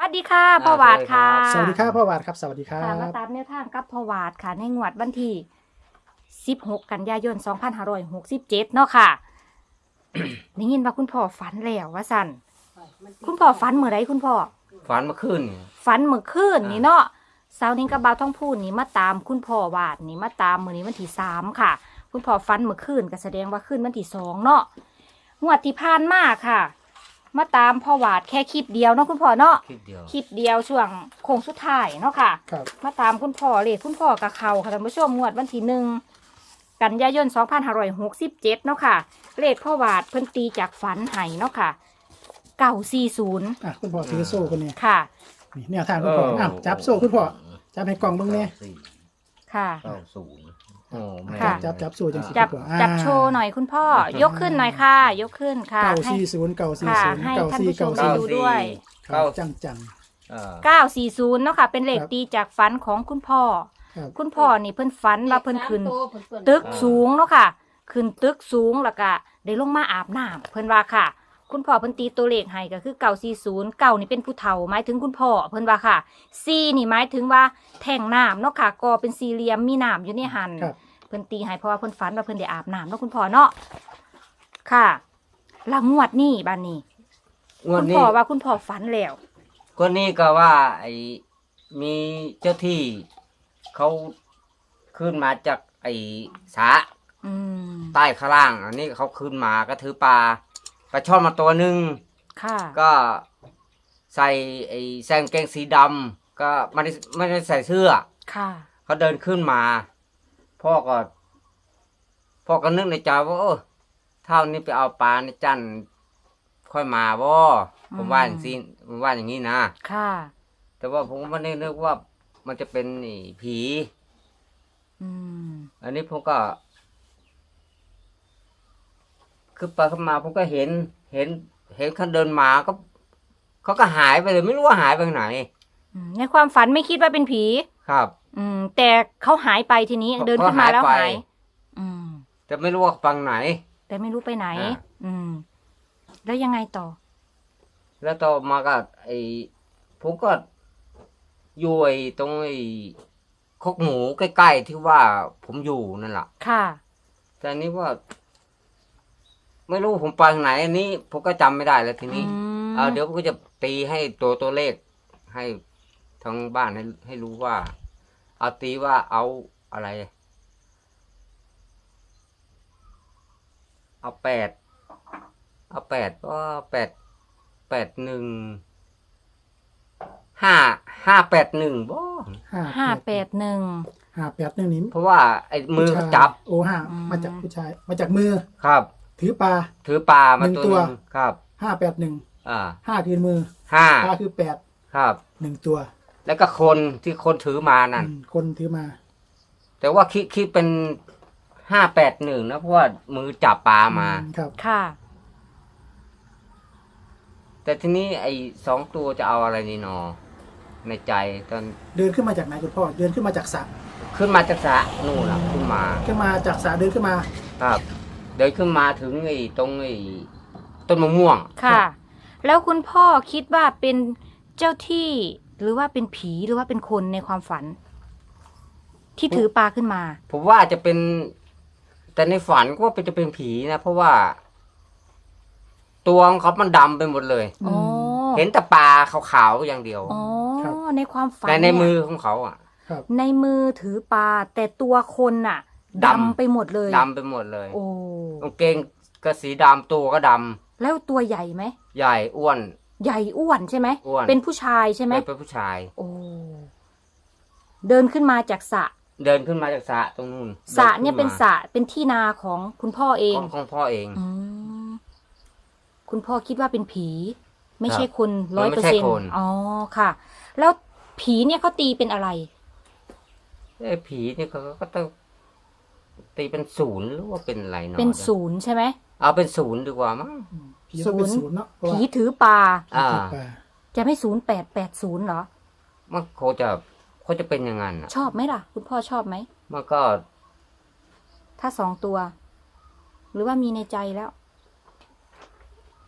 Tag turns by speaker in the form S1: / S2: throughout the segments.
S1: สดีค่ะพ่อหวาดค่ะ
S2: สวัสดีครับพ่อวาดครับสวัสดีครับ
S1: มาตามแนวทางกับพ่อหวาดค่ะในงวดวันที่16 กันยายน 2567เนาะค่ะ ได้ยินว่าคุณพ่อฝันแล้วว่าสั่นคุณพ่อฝันเมื่อไรคุณพ่อ
S3: ฝันเมื่อคืน
S1: ฝันเมื่อคืนนี่เนาะเสาร์นี้กับบ่าวท้องพูดนี่มาตามคุณพ่อวาดนี่มาตามมื้อนี้วันที่3ค่ะคุณพ่อฝันเมื่อคืนก็แสดงว่าคืนวันที่2เนาะงวดที่ผ่านมาค่ะ มาตามพ่อวาดแค่คลิปเดียวเนาะคุณพ่อเนาะ
S3: คลิปเดียว
S1: คลิปเดียวช่วงโค้งสุดท้ายเนาะค่ะ
S2: ครับ
S1: มาตามคุณพ่อเลยคุณพ่อกับเขาค่ะท่านผู้ชมงวดวันที่1 กันยายน 2567เนาะค่ะเลขพ่อวาดเพิ่นตีจากฝันไห้เนาะค่ะ940
S2: อ่ะคุณพ่อถือโซ่คนนี้
S1: ค่ะ
S2: นี่แนวทางคุณพ่ออ้าวจับโซ่คุณพ่อจับให้กล่องเบิ่งเนี่ย
S1: ค่ะ
S3: 90โอ้แม่
S1: ค่ะ
S2: จับโซ่จังสิ
S1: จับ
S2: คุณพ่อ
S1: จับโชว์หน่อยคุณพ่อยกขึ้นหน่อยค่ะ ยกขึ้นค่ะให้
S2: 940
S1: ค่ะ
S2: 940
S1: ให้ท่านผู้ชม
S2: 940
S1: ดูด้วย
S2: ครับจัง
S1: 940เนาะค่ะเป็นเลขตีจากฝันของคุณพ่อ
S2: ครับ
S1: คุณพ่อนี่เพิ่นฝันว่าเพิ่นขึ้น ตึกสูงเนาะค่ะ ขึ้นตึกสูงแล้วก็ได้ลงมาอาบน้ำเพิ่นว่าค่ะ คุณพ่อเพิ่นตีตัวเลขให้ก็คือ940 9นี่เป็นผู้เฒ่าหมายถึงคุณพ่อเพิ่นว่าค่ะ4นี่หมายถึงว่าแท่งน้ำเนาะค่ะก็เป็นสี่เหลี่ยมมีน้ำอยู่ในหัน
S2: ครับ
S1: เพิ่นตีให้เพราะว่าเพิ่นฝันว่าเพิ่นได้อาบน้ำเนาะคุณพ่อเนาะค่ะแล้วงวดนี้บัดนี้
S3: งว
S1: คุ
S3: ด
S1: ณ
S3: นี้
S1: พ่อว่าคุณพ่อฝันแล้ว
S3: ก็นี่ก็ว่าไอ้มีเจ้าที่เขาขึ้นมาจากไอ้สระ
S1: อืม
S3: ใต้ข้างล่าง อันนี้เขาขึ้นมาก็ถือปลาช่อนมาตัวหนึ่ง
S1: ค่ะ
S3: ก็ใส่ไอ้แซงเกงสีดำก็ไม่ได้ใส่เสื้อ
S1: ค่ะ
S3: เขาเดินขึ้นมา พ่อก็นึกในใจว่าเท่านี้ไปเอาปลาในจันทร์ค่อยมาบ่ผมว่าอย่างนี้ผมว่าอย่างนี้นะ
S1: ค่ะ
S3: แต่ว่าผมไม่ได้นึกว่ามันจะเป็นนี่ผี
S1: อืม
S3: อันนี้ผมก็คือไปเข้ามาผมก็เห็นเขาเดินมาก็เขาก็หายไปเลยไม่รู้ว่าหายไปไหน
S1: ในความฝันไม่คิดว่าเป็นผี
S3: ครับ
S1: แต่เขาหายไปทีนี้เดินขึ้นมาแล้ว
S3: เขาหาย
S1: หา
S3: ไป
S1: ย อืม
S3: แต่ไม่รู้ว่าฟังไหน
S1: แต่ไม่รู้ไปไหน
S3: อ่า
S1: อืม แล้วยังไงต่อ
S3: แล้วต่อมาก็ผมก็อยู่ตรงคอกหมูใกล้ๆที่ว่าผมอยู่นั่นแหละ
S1: ค่ะ
S3: แต่อันนี้ว่า ไม่รู้ผมไปทางไหน อันนี้ผมก็จำไม่ได้แล้วทีนี้ เดี๋ยวผมก็จะตีให้ตัวเลข ให้ทั้งบ้านให้รู้ว่า เอาตีว่าเอาอะไร เอาก็881 581บ่
S1: 581
S2: 581นี่
S3: เพราะว่าไอ้มือเขาจับ
S2: โอ้ห้ามาจากผู้ชายมาจากมือ
S3: ครับ
S2: ถือปลา
S3: ถือปลามา
S2: หนึ่ง
S3: ตัว
S2: ตัว
S3: หนึงครับ
S2: 5 คือมือ
S3: ห้า
S2: ปลาคือ8
S3: ครับ
S2: 1ตัว
S3: แล้วก็คนที่คนถือมานั่น
S2: คนถือมา
S3: แต่ว่าคิดเป็น581นะเพราะว่ามือจับปลามา
S2: ครับ
S1: ค่ะ
S3: แต่ทีนี้ไอ้2ตัวจะเอาอะไรนี่นอในใจตอน
S2: เดินขึ้นมาจากไหนคุณพ่อเดินขึ้นมาจากสระ
S3: ขึ้นมาจากสระนู่นล่ะขึ้นมา
S2: ขึ้นมาจากสระเดินขึ้นมา
S3: ครับ เดินขึ้นมาถึงตรงต้นมะม่วง
S1: ค่ะ แล้วคุณพ่อคิดว่าเป็นเจ้าที่หรือว่าเป็นผีหรือว่าเป็นคนในความฝัน ที่ถือปลาขึ้นมา
S3: ผมว่าจะเป็น แต่ในฝันก็ว่าจะเป็นผีนะ เพราะว่า ตัวของเขามันดำไปหมดเลย
S1: อ๋อ
S3: เห็นแต่ปลาขาวๆอย่างเดียว
S1: อ๋อ ในความฝัน
S3: ใน
S1: เนี่ย
S3: มือของเขาอ่ะ
S2: ครับ
S1: ในมือถือปลาแต่ตัวคนน่ะ
S3: ดำ
S1: ดำไปหมดเลย
S3: ดำไปหมดเลย
S1: โอ้
S3: กางเกงก็สีดำตัวก็ด
S1: แล้วตัวใหญ่ไหม
S3: ำใหญ่อ้วน
S1: ใหญ่อ้วนใช่ไหม
S3: อ้วน
S1: เป็นผู้ชายใช่ไหม
S3: เป็นผู้ชาย
S1: โอ้ เดินขึ้นมาจากสระ
S3: เดินขึ้นมาจากสระตรงนู้น
S1: สระเนี่ย
S3: ดิ
S1: เป็น
S3: ขึ้
S1: สระเป็นที่นาของคุณพ่อเอง
S3: ของพ่อเอง
S1: อืมคุณพ่อคิดว่าเป็นผี ไม่ใช่
S3: ครับ
S1: คน
S3: มันไม่ใช่
S1: 100%
S3: คน
S1: อ๋อค่ะ แล้วผีเนี่ยเขาตีเป็นอะไร
S3: ผีเนี่ยเขาก็ต้องตีเป็นศูนย์หรือว่าเป็นอะไรเนาะ
S1: เป็นศูนย์ใช่ไหม
S3: เอาเป็นศูนย์ดีกว่ามั้ง
S2: ผีต้องเป็นศูนย์เนาะเพราะ
S1: ผี
S2: ว่า
S1: ถือปลา
S3: อ่า
S2: ถือปลา
S1: จะไม่0880เหรอ
S3: มันเขาจะเป็นอย่างนั้นอ่ะ
S1: ชอบไหมล่ะ คุณพ่อชอบไหม
S3: มันก็
S1: ถ้า2 ตัว หรือว่ามีในใจแล้ว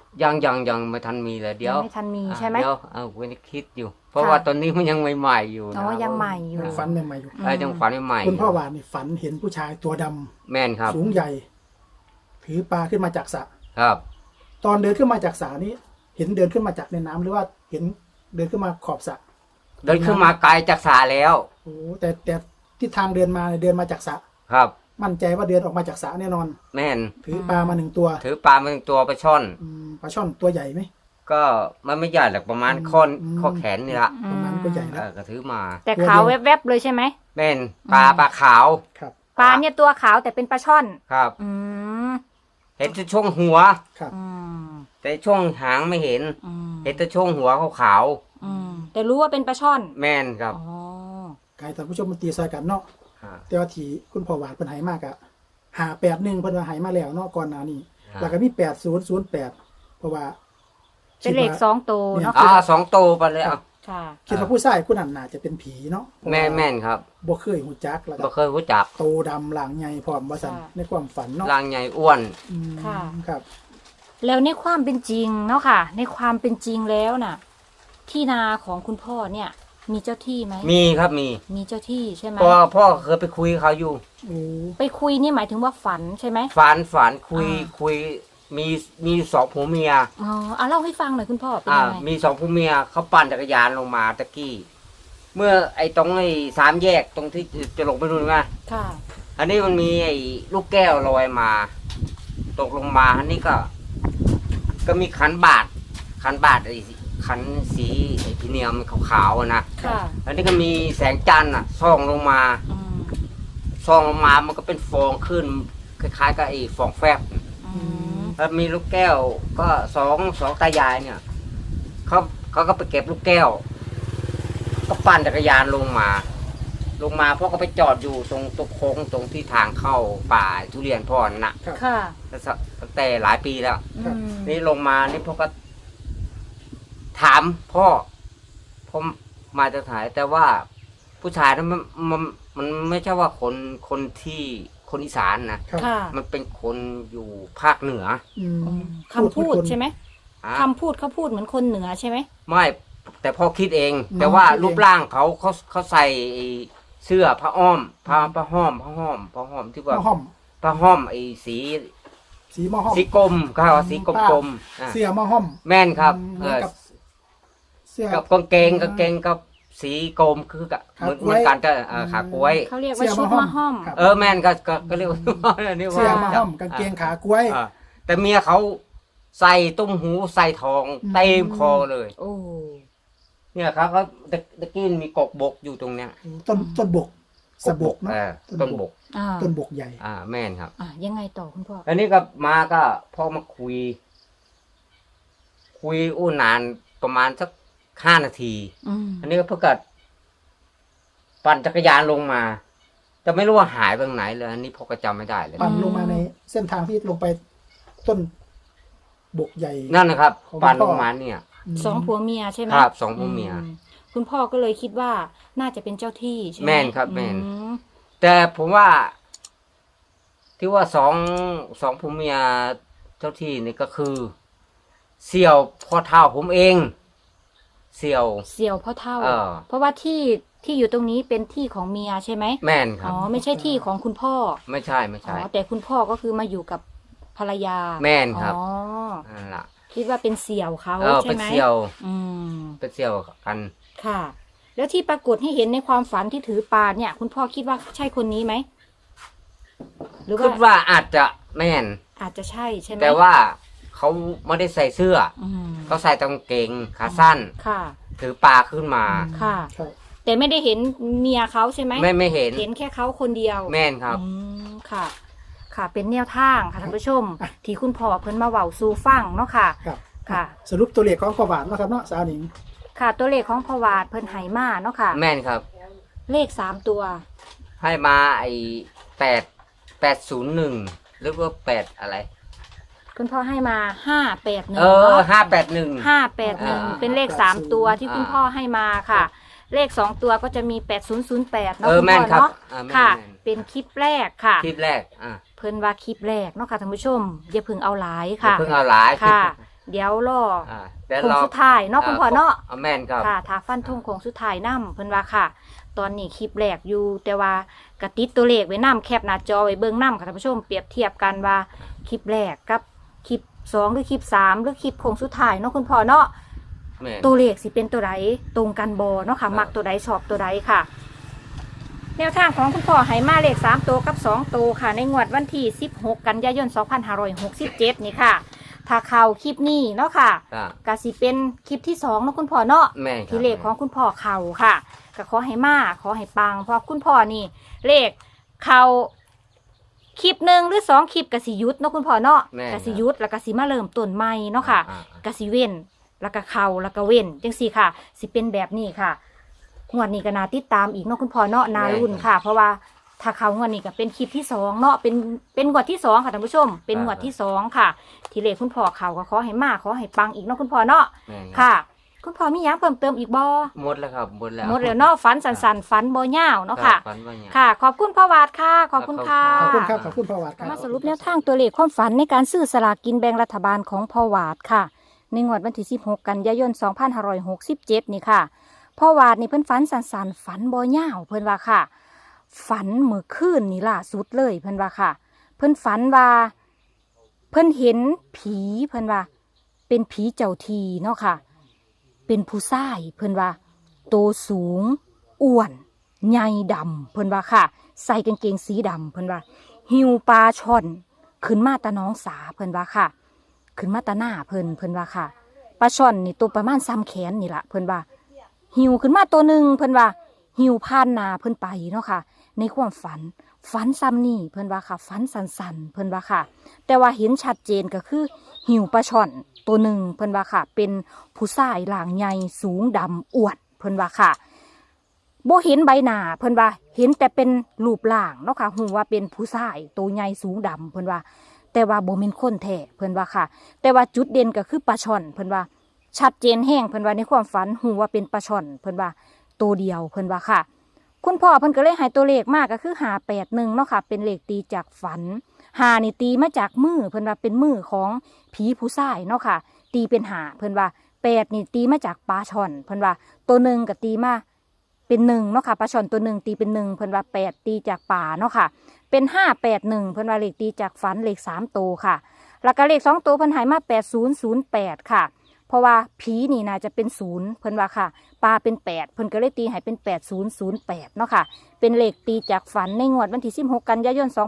S3: ยังไม่ทันมีเลยเดี๋ยว
S1: งไม่ทันมีใช่ไหม
S3: เดี๋ยวเว้นคิดอยู่ เพราะว่าตอนนี้มันยังใหม่ๆอยู่นะ
S1: อ๋อยังใหม่อยู่
S2: ฝันใหม่ๆอยู่
S3: ยังฝันใหม่ๆ
S2: คุณพ่อหวานนี่ฝันเห็นผู้ชายตัวดำ
S3: แม่นครับ
S2: สูงใหญ่ ถือปลาขึ้นมาจากสระ
S3: ครับ
S2: ตอนเดินขึ้นมาจากสระนี้ เห็นเดินขึ้นมาจากในน้ำหรือว่าเห็นเดินขึ้นมาขอบสระ
S3: เดินขึ้นมาไกลจากสาแล้ว
S2: โอ้แต่ที่ทางเดินมาเดินมาจากสระ
S3: ครับ
S2: มั่นใจว่าเดินออกมาจากสระแน่นอน
S3: แม่น
S2: ถือปลามา1 ตัว
S3: ถือปลามา1 ตัวปลาช่อน
S2: ปลาช่อนตัวใหญ่ไหม
S3: ก็มันไม่ใหญ่หรอกประมาณข้อ
S2: อืม
S3: ข้อแขนนี่ละ
S2: ประมาณก็ใหญ่แล้ว
S3: ก็ถือมา
S1: แต่ขาวแวบๆเลยใช่ไหม
S3: แม่นปลาขาว
S2: ครับ
S1: ปลาเนี่ยตัวขาวแต่เป็นปลาช่อน
S3: ครับ
S1: อืม
S3: เห็นแต่ช่วงหัว
S2: ครับ
S1: อืม
S3: แต่ช่วงหางไม่เห็น
S1: อืม
S3: เห็นแต่ช่วงหัวขาว
S1: อืมแต่รู้ว่าเป็นปลาช่อน
S3: ๆแม่นครับ
S1: อ๋อ
S2: กายท่านผู้ชมมันตีซอยกันเนาะ
S3: อ่า
S2: แต่ว่าที่คุณพ่อหวานเพิ่นใหายมากอะ581เพิ่นว่าใหายมาแล้วเนาะก่อนหน้านี้
S3: ครับ
S2: แล้วก็มี8008เพราะว่า
S1: เป็นเลข
S2: คิดว่า
S1: 2 ตัวเนาะ
S3: 2 ตัวไปเลย
S1: ค่ะ
S2: คิดว่าผู้ชายผู้นั้นน่าจะเป็นผีเนาะ
S3: แม่นครับ
S2: บ่เคยหูจักแล้ว
S3: บ่
S2: ก็
S3: เคยรู้จัก
S2: โตดำหลังใหญ่พร้อมว่าซั่นในความฝันเนาะ
S3: ร่างใหญ่อ้วน
S2: อืม
S1: ค่ะ
S2: ครับ
S1: แล้วในความเป็นจริงเนาะค่ะ ในความเป็นจริงแล้วน่ะ ที่นาของคุณพ่อเนี่ย มีเจ้าที่ไหม
S3: มีครับมี
S1: มีเจ้าที่ใช่ไหม
S3: พ่อเคยไปคุยกับเขาอยู่
S2: โอ้
S1: ไปคุยนี่หมายถึงว่าฝันใช่ไหม
S3: ฝันคุย
S1: อ่า
S3: คุยมี2ผัวเมีย
S1: อ๋อเล่าให้ฟังหน่อยคุณพ่อเป็น
S3: อ่า
S1: ยังไง
S3: มี2ผัวเมียเขาปั่นจักรยานลงมาตะกี้ เมื่อตรง3 แยกตรงที่จะลงไปนู่นไง
S1: ค่ะ
S3: อันนี้มันมีลูกแก้วลอยมา ตกลงมาอันนี้ก็มีขันบาทขันสีพรีเมียมขาวๆอะนะ
S1: ค่ะ
S3: อันนี้ก็มีแสงจันทร์ส่องลงมา
S1: อืม
S3: ส่องลงมามันก็เป็นฟองขึ้นคล้ายๆกับฟองแฟบ
S1: อืม
S3: แล้วมีลูกแก้วก็สองตายายเนี่ยเขาก็ไปเก็บลูกแก้ว ก็ปั่นจักรยานลงมาพ่อก็ไปจอดอยู่ตรงโค้งตรงที่ทางเข้าป่าทุเรียนพ่อนั่นน่ะ
S2: ครับ
S1: ค่ะ
S3: ตั้งแต่หลายปีแล้ว
S1: อืม
S3: นี่ลงมานี่พ่อก็ถามพ่อมาจากไหนแต่ว่าผู้ชายนั้นมันไม่ใช่ว่าคนที่คนอีสานนะ
S2: ครับ
S1: ค่ะ
S3: มันเป็นคนอยู่ภาคเหนือ
S2: อืม
S1: คำพูดใช่ไหม
S3: อ่ะ
S1: คำพูดเขาพูดเหมือนคนเหนือใช่ไหม
S3: ไม่แต่พ่อคิดเอง แต่ว่ารูปร่างเขาใส่เสื้อผ้าอ้อมผ้าห้อมที่ว่า
S2: หม้อห้อม
S3: ผ้าห้อมสี
S2: สีหม้อห้อม
S3: สีกลมเขาว่าสีกลมๆอ่ะ
S2: เสื้อหม้อห้อม
S3: แม่นครับ
S2: เหมือนกับเสื้อ
S3: กับกางเกงกับสีกลมคือกับ
S2: ขา
S3: เหมือน
S2: กล้วย
S3: กันจะขากล้วย
S1: เขาเรียกว่าชุดมะห้อม
S2: ครับ
S3: แม่นก็เรียกว่านี่
S2: เสื้อ
S3: ว่า
S2: หม้อห้อมกางเกงขากล้วย
S3: อ่ะแต่เมียเขาใส่ตุ้มหูใส่ทอง
S2: อืม
S3: เต็มคอเลย
S1: โอ้
S3: เนี่ยครับเขาตะกี้มีกกบกอยู่ตรงเนี้ย
S2: ต้นบกสะบกเนาะ
S3: ต้นบก
S1: อ่า
S2: ต้นบกใหญ่
S3: แม่นครับ
S1: ยังไงต่อคุณพ่อ
S3: อันนี้ก็มาก็พ่อมาคุยอู้นานประมาณสัก5 นาที
S1: อืม
S3: อันนี้ก็เพิ่งเกิดปั่นจักรยานลงมาแต่ไม่รู้ว่าหายไปไหนเลยอันนี้พ่อก็จำไม่ได้เลย
S2: ปั่นลงมาในเส้นทางที่ลงไปต้นบกใหญ่
S3: นั่นนะครับ
S2: ของ
S3: ปั่น
S2: พ่
S3: ล
S2: อ
S3: งมาเนี่ย
S1: สองผัวเมียใช่ไหม
S3: ครับ2ผัวเมีย
S1: คุณพ่อก็เลยคิดว่าน่าจะเป็นเจ้าที่ใช่ไหม
S3: แม่นครับแม่น
S1: อืม
S3: แต่ผมว่า ที่ว่าสองผัวเมียเจ้าที่นี่ก็คือ เสี่ยวพ่อเท่าผมเอง เสี่ยว
S1: เสี่ยวพ่อเท่า
S3: เออ
S1: เพราะว่าที่อยู่ตรงนี้เป็นที่ของเมียใช่ไหม
S3: แม่นครั
S1: อ๋
S3: บ
S1: อไม่ใช่ที่ของคุณพ่อ
S3: ไม่ใช่
S1: อ๋อแต่คุณพ่อก็คือมาอยู่กับภรรยา
S3: แม่นครับ
S1: อ๋อ
S3: นั่นล่ะ
S1: คิดว่าเป็นเสี่ยวเขาใช่
S3: เป็น
S1: ไหม
S3: เสี่ยว
S1: อืม
S3: เป็นเสี่ยวกัน
S1: ค่ะ แล้วที่ปรากฏให้เห็นในความฝันที่ถือปลาเนี่ย คุณพ่อคิดว่าใช่คนนี้ไหมหรือ
S3: คิด
S1: ว่า
S3: ว่าอาจจะแม่น
S1: อาจจะใช่ใช่ไหม
S3: แต่ว่าเขาไม่ได้ใส่เสื้อ
S1: อืม
S3: เขาใส่กางเกงขาสั้น
S1: ค่ะ
S3: ถือปลาขึ้นมา
S1: ค่ะ
S2: ครับ
S1: แต่ไม่ได้เห็นเมียเขาใช่ไหม
S3: ไม่เห็น
S1: เห็นแค่เขาคนเดียว
S3: แม่นครับ
S1: อืมค่ะ ค่ะ เป็นแนวทางค่ะท่านผู้ชม ที่คุณพ่อเพิ่นมาเว้าสู่ฟังเนาะค่ะ
S2: ครับ
S1: ค่ะ
S2: สรุปตัวเลขของพ่อหวานเนาะครับเนาะสาวหนิง
S1: ค่ะตัวเลขของพ่อวาดเพิ่นให้มาเนาะค่ะ
S3: แม่นครับ
S1: เลข3ตัว
S3: ให้มา801หรือว่า8อะไร
S1: คุณพ่อให้มา581
S3: เออ581
S1: 581เป็นเลข3ตัวที่คุณพ่อให้มาค่ะ เลข2ตัวก็จะมี8008เนาะ
S3: เออ
S1: คุณ
S3: แม่
S1: พ่
S3: น
S1: อ
S3: ครับ
S1: เนาะ
S3: แม่น
S1: ค่ะ
S3: แม่น
S1: เป็นคลิปแรกค่ะ
S3: คลิปแรก
S1: เพิ่นว่าคลิปแรกเนาะค่ะท่านผู้ชมอย่าเพิ่งเอาหลาย
S3: อย่า
S1: ค่ะ
S3: เพิ่งเอาหลาย
S1: ค่ะเดี๋ยวรอ
S3: แต่
S1: โค้งสุดท้ายเนาะคุณพ่อเนาะ
S3: แม่นครับ
S1: ค่ะถ้าฟันธงโค้งสุดท้ายนํเพิ่นว่าค่ะ ตอนนี้คลิปแรกอยู่แต่ว่ากระติดตัวเลขไว้นํแคปหน้าจอไว้เบิ่งนํค่ะท่านผู้ชมเปรียบเทียบกันว่าคลิปแรกกับคลิป2หรือคลิป3หรือคลิปโค้งสุดท้ายเนาะคุณพ่อเนาะ
S3: แม่น
S1: ตัวเลขสิเป็นตัวใดตรงกันบ่เนาะค่ะมักตัวใดชอบตัวใดค่ะ แนวทางของคุณพ่อให้มาเลข3ตัวกับ2ตัวค่ะ ในงวดวันที่16กันยายน2567นี่ค่ะ ถ้าเข้าคลิปนี้เนาะค่ะ
S3: อ่า
S1: ก็สิเป็นคลิปที่2เนาะคุณพ่อเนาะ
S3: แม่นครับ
S1: ที่เลขของคุณพ่อเข้าค่ะก็ขอให้มาขอให้ปังเพราะคุณพ่อนี่ เลขเข้าคลิป1หรือ2คลิปก็สิหยุดเนาะคุณพ่อเนาะ
S3: แม่น
S1: ก็สิหยุดแล้วก็สิมาเริ่มต้นใหม่เนาะค่ะ
S3: อ่า
S1: ก็สิเว้นแล้วก็เข้าแล้วก็เว้นจังซี่ค่ะ สิเป็นแบบนี้ค่ะงวดนี้ก็น่าติดตามอีกเนาะคุณพ่อเนาะนารุ่นค่ะ เพราะว่าถ้าเขางวดนี้ก็เป็นคลิปที่2เนาะเป็นงวดที่2ค่ะท่านผู้ชม เป็นงวดที่2ค่ะ ที่เลขคุณพ่อเขาก็ขอให้มาขอให้ปังอีกเนาะคุณพ่อเนาะ
S3: แม่นรับ
S1: ค่ะ คุณพ่อมีหยังเพิ่มเติมอีกบ่
S3: หมดแล้วครับหมดแล้ว
S1: หมดแล้วเนาะฝันสันๆฝันบ่ยาวเนาะค่ะ
S3: ฝันว่าอย่าง
S1: ค่ะ ขอบคุณพ่อวาดค่ะ ขอบคุณค่ะ
S2: ขอบคุณครับขอบคุณพ่อวัดครับ
S1: มาสรุปแนวทางตัวเลขความฝันในการซื้อสลากกินแบ่งรัฐบาลของพ่อวาดค่ะ ในงวดวันที่16กันยายน2567นี่ค่ะพ่อวาดนี่เพิ่นฝันสันๆฝันบ่ยาวเพิ่นว่าค่ะ ฝันเมื่อคืนนี่ล่าสุดเลยเพิ่นว่าค่ะ เพิ่นฝันว่าเพิ่นเห็นผีเพิ่นว่า เป็นผีเจ้าทีเนาะค่ะ เป็นผู้ชายเพิ่นว่าโตสูงอ้วนใหญ่ดำเพิ่นว่าค่ะ ใส่กางเกงสีดำเพิ่นว่า หิวปลาช่อนขึ้นมาตาน้องสาเพิ่นว่าค่ะ ขึ้นมาตาหน้าเพิ่นว่าค่ะปลาช่อนนี่ตัวประมาณซ้ำแขนนี่ล่ะเพิ่นว่า หิวขึ้นมาตัวหนึ่งเพิ่นว่า หิวผ่านหนาเพิ่นไปเนาะค่ะ ในความฝันซ้ำนี่เพิ่นว่าค่ะฝันสันๆเพิ่นว่าค่ะ แต่ว่าเห็นชัดเจนก็คือ หิวปลาช่อนตัวหนึ่งเพิ่นว่าค่ะ เป็นผู้ชายหลางใหญ่สูงดำอ้วนเพิ่นว่าค่ะบ่เห็นใบหน้าเพิ่นว่าเห็นแต่เป็นรูปร่างเนาะค่ะหูว่าเป็นผู้ชายตัวใหญ่สูงดำเพิ่นว่า แต่ว่าบ่แม่นคนแท้เพิ่นว่าค่ะ แต่ว่าจุดเด่นก็คือปลาช่อนเพิ่นว่า ชัดเจนแห้งเพิ่นว่าในความฝันหูว่าเป็นปลาช่อนเพิ่นว่าตัวเดียวเพิ่นว่าค่ะ คุณพ่อเพิ่นก็เลยให้ตัวเลขมากก็คือ581เนาะค่ะเป็นเลขตีจากฝัน5นี่ตีมาจากมือเพิ่นว่าเป็นมือของผีผู้ชายเนาะค่ะ ตีเป็น5เพิ่นว่า8นี่ตีมาจากปลาช่อนเพิ่นว่าตัวหนึ่งก็ตีมาเป็น1เนาะค่ะปลาช่อนตัวหนึ่งตีเป็น1เพิ่นว่า8ตีจากป่าเนาะค่ะเป็น581เพิ่นว่าเลขตีจากฝันเลข3ตัวค่ะแล้วก็เลข2ตัวเพิ่นให้มา8008ค่ะ เพราะว่าผีนี่น่าจะเป็น0เพิ่นว่าค่ะปลาเป็น8เพิ่นก็เลยตีให้เป็น8008เนาะค่ะเป็นเลขตีจากฝันในงวดวันที่16กันยายน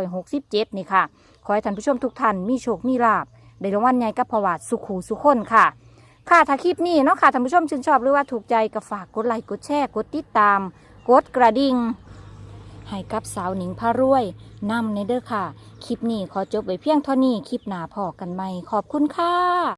S1: 2567นี่ค่ะขอให้ท่านผู้ชมทุกท่านมีโชคมีลาภได้รางวัลใหญ่กับพ่อวาดสุขหูสุขคนค่ะค่ะถ้าคลิปนี้เนาะค่ะท่านผู้ชมชื่นชอบหรือว่าถูกใจก็ฝากกดไลค์กดแชร์กดติดตามกดกระดิ่งให้กับสาวหนิงพารวยนำในเด้อค่ะคลิปนี้ขอจบไว้เพียงเท่านี้คลิปหน้าพอกันใหม่ขอบคุณค่ะ